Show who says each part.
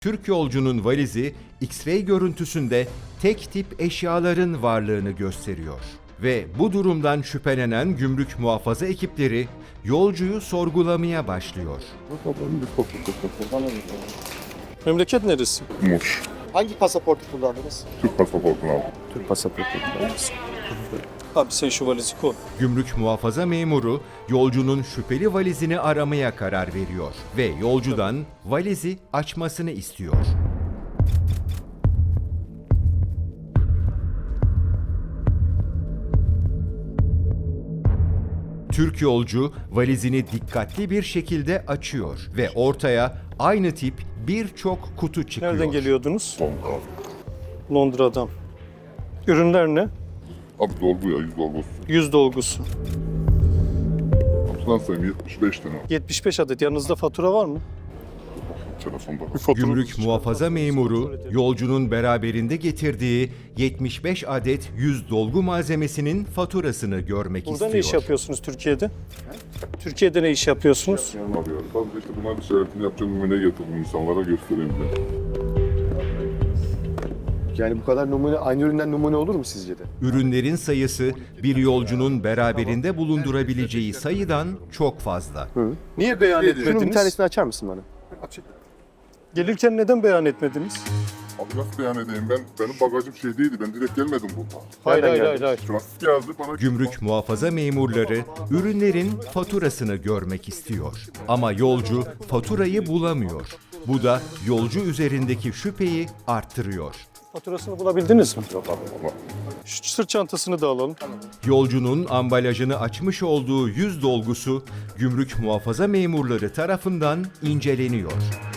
Speaker 1: Türk yolcunun valizi X-ray görüntüsünde tek tip eşyaların varlığını gösteriyor. Ve bu durumdan şüphelenen gümrük muhafaza ekipleri yolcuyu sorgulamaya başlıyor.
Speaker 2: Memleket neresi?
Speaker 3: Muş.
Speaker 4: Hangi pasaportu kullandınız?
Speaker 3: Türk pasaportunu aldım.
Speaker 4: Türk pasaportu kullandınız.
Speaker 2: Abi sen şu valizi koy.
Speaker 1: Gümrük muhafaza memuru yolcunun şüpheli valizini aramaya karar veriyor ve yolcudan valizi açmasını istiyor. Türk yolcu valizini dikkatli bir şekilde açıyor ve ortaya aynı tip birçok kutu çıkıyor.
Speaker 2: Nereden geliyordunuz?
Speaker 3: Londra.
Speaker 2: Londra'dan. Ürünler ne?
Speaker 3: Abi dolgu ya, 100 dolgusu.
Speaker 2: 100 dolgusu.
Speaker 3: Kutudan sayayım 75 tane.
Speaker 2: 75 adet. Yanınızda fatura var mı?
Speaker 3: Telefonda.
Speaker 1: Gümrük muhafaza memuru yolcunun beraberinde getirdiği 75 adet 100 dolgu malzemesinin faturasını görmek
Speaker 2: Burada
Speaker 1: istiyor.
Speaker 2: ne iş yapıyorsunuz Türkiye'de? Türkiye'de ne iş yapıyorsunuz?
Speaker 3: Abi ya, sadece işte bunlar bir şerefini yapacağım numune getirdim insanlara göstereyim diye.
Speaker 4: Yani bu kadar numune, aynı üründen numune olur mu sizce de?
Speaker 1: Ürünlerin sayısı bir yolcunun beraberinde bulundurabileceği sayıdan çok fazla.
Speaker 2: Niye beyan
Speaker 4: Şunun bir
Speaker 2: etmediniz?
Speaker 4: tanesini açar mısın bana?
Speaker 2: Gelirken neden beyan etmediniz?
Speaker 3: Abi nasıl beyan edeyim benim bagajım şey değildi, ben direkt gelmedim burada.
Speaker 2: Hayır
Speaker 4: Nereden
Speaker 2: hayır hayır.
Speaker 3: Trafik geldi bana.
Speaker 1: Gümrük muhafaza memurları ürünlerin faturasını görmek istiyor. Ama yolcu faturayı bulamıyor. Bu da yolcu üzerindeki şüpheyi arttırıyor.
Speaker 2: Faturasını bulabildiniz mi?
Speaker 3: Yok abi ama.
Speaker 2: Şu sırt çantasını da alalım.
Speaker 1: Yolcunun ambalajını açmış olduğu 100 dolgusu gümrük muhafaza memurları tarafından inceleniyor.